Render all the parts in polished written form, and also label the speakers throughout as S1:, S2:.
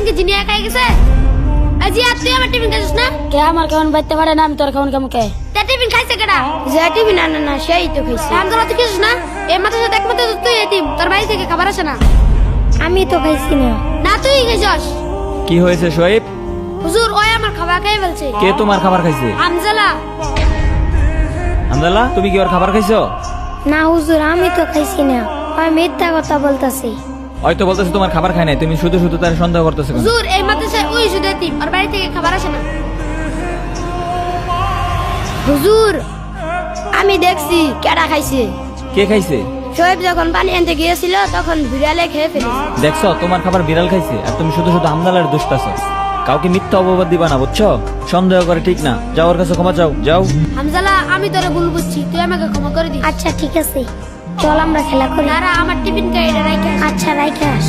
S1: Tiffin কি জিনিয়া খাই গেছে? আজি আর তুই আমার টিফিন খাইছিস না?
S2: কে আমার কেমন বাইতে পারে না, আমি তোর কেমন কেমন কে
S1: তা টিফিন খাইছে কেডা?
S2: যে টিভি না না না সেই তো খাইছি।
S1: হামজালা তুই খাইছিস না? এই মাথার সাথে এক মাথা তুই এতিম, তোর বাড়ি থেকে খাবার আসে না।
S2: আমি তো খাইছি না।
S1: না তুই খাইছস।
S3: কি হয়েছে শোয়েব?
S1: হুজুর ওই আমার খাবার খাই বলছে।
S3: কে তোমার খাবার খাইছে?
S1: হামজালা।
S3: হামদাল্লাহ, তুমি কি ওর খাবার খাইছো?
S2: না হুজুর, আমি তো খাইছি না, আমি মিথ্যা কথা বলতাছি।
S3: হয়তো বলতেছে তোমার খাবার খায় নাই, তুমি শুধু শুধু তার সন্দেহ করতেছো কেন?
S1: হুজুর এই মাদ্রাসায় ওই শুধু এতিম, ওর বাড়ি থেকে খাবার আসে না।
S2: হুজুর আমি দেখছি কেডা খাইছে।
S3: কে খাইছে?
S2: শোয়েব যখন পানি আনতে গিয়েছিল তখন বিড়ালে খেয়ে ফেলেছে।
S3: দেখছো তোমার খাবার বিড়াল খাইছে, আর তুমি শুধু শুধু হামদালার দুষ্টাছো। কাউকে মিথ্যা অপবাদ দিবা না, বুঝছো? সন্দেহ করে ঠিক না। যাও ওর কাছে ক্ষমা চাও, যাও।
S1: হামজালা আমি তোরে ভুল বুঝছি, তুই আমাকে ক্ষমা করে দিস।
S2: আচ্ছা ঠিক আছে, চল আমরা খেলা করি।
S1: তারা আমার টিফিন খাই এটা রাইখা।
S2: আচ্ছা রাইখে আস।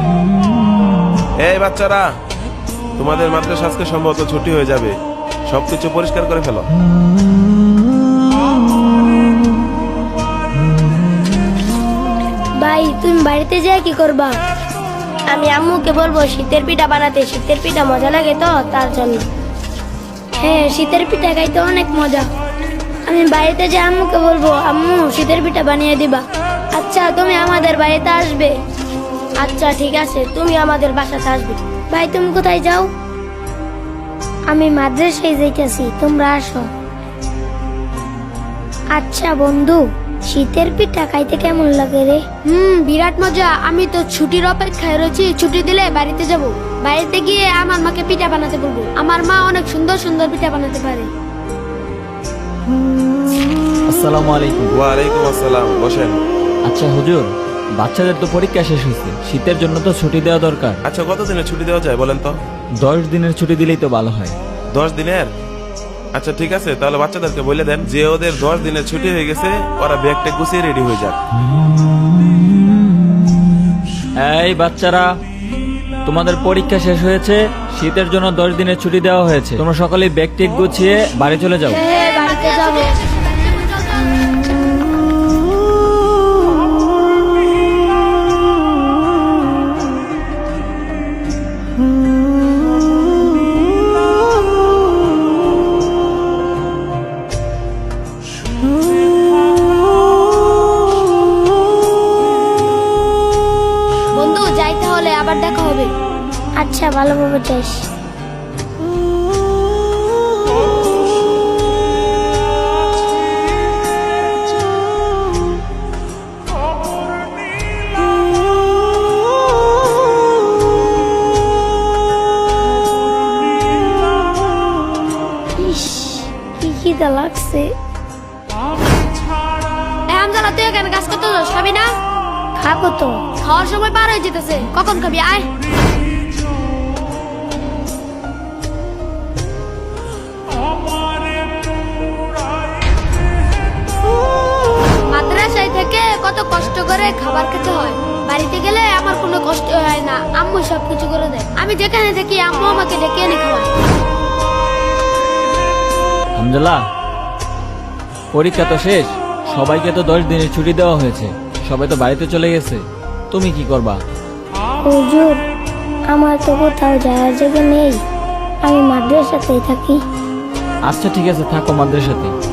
S4: এই বাচ্চারা, তোমাদের মাদ্রাসা আজকে সম্ভবত ছুটি হয়ে যাবে, সবকিছু পরিষ্কার করে ফেলো।
S2: ভাই তুমি বাড়িতে যেয়ে কি করবা? আমি আম্মুকে বলবো শীতের পিঠা বানাতে, শীতের পিঠা মজা লাগে তো তার জন্য। হ্যাঁ শীতের পিঠা খাইতে অনেক মজা। আমি বাড়িতে যে আম্মুকে বলবো আম্মু শীতের পিঠা বানিয়ে দিবা। আচ্ছা তুমি আমাদের বাড়িতে আসবে? আচ্ছা ঠিক আছে, তুমি আমাদের বাসাতে আসবে। ভাই তুমি কোথায় যাও? আমি মাদ্রাসায় যাইতেছি, তোমরা আসো। আচ্ছা বন্ধু, শীতের পিঠা খাইতে কেমন লাগে রে?
S1: বিরাট মজা। আমি তো ছুটির অপেক্ষায় রয়েছি, ছুটি দিলে বাড়িতে যাব। বাড়িতে গিয়ে আমার মাকে পিঠা বানাতে বলবো। আমার মা অনেক সুন্দর সুন্দর পিঠা বানাতে পারে।
S3: আসসালামু আলাইকুম।
S4: ওয়ালাইকুম আসসালাম, বসেন।
S3: আচ্ছা হুজুর, বাচ্চাদের তো পরীক্ষা শেষ হয়েছে, শীতের জন্য তো ছুটি দেওয়া দরকার।
S4: আচ্ছা কতদিনের ছুটি দেওয়া যায় বলেন তো?
S3: 10 দিনের ছুটি দিলেই তো ভালো হয়।
S4: 10 দিনের? আচ্ছা ঠিক আছে, তাহলে বাচ্চাদেরকে বলে দেন যে ওদের 10 দিনের ছুটি হয়ে গেছে, ওরা ব্যাগটা গুছিয়ে রেডি হয়ে যাক।
S3: এই বাচ্চারা, তোমাদের পরীক্ষা শেষ হয়েছে, শীতের জন্য 10 দিনের ছুটি দেওয়া হয়েছে। তোমরা সকলেই ব্যাগ টেক গুছিয়ে বাড়ি চলে যাও।
S2: হ্যাঁ বাড়িতে যাবো।
S1: বন্ধু যাই তাহলে, আবার দেখা হবে।
S2: আচ্ছা ভালোভাবে যাস। ইস, কি খিদা লাগছে।
S1: হামজালা তুই এখানে কাজ করতে যাস, খাবি না?
S2: খাবো তো।
S1: খাওয়ার সময় পার হয়ে যেতেছে, কখন খাবি? আয়। মাদ্রাসায় থেকে কত কষ্ট করে খাবার খেতে হয়, বাড়িতে গেলে আমার কোনো কষ্ট হয় না, আম্মু সবকিছু করে দেয়। আমি যেখানে থাকি আম্মু আমাকে ডেকে এনে খাওয়ায়।
S3: হামজালা, পরীক্ষা তো শেষ, সবাইকে তো 10 দিনের ছুটি দেওয়া হয়েছে, সবাই তো বাড়িতে চলে গেছে। তুমি কি করবা?
S2: হুজুর আমার তো কোথাও যাওয়ার জায়গা নেই, আমি মাদ্রাসাতেই থাকি।
S3: আচ্ছা ঠিক আছে, থাকো মাদ্রাসাতে।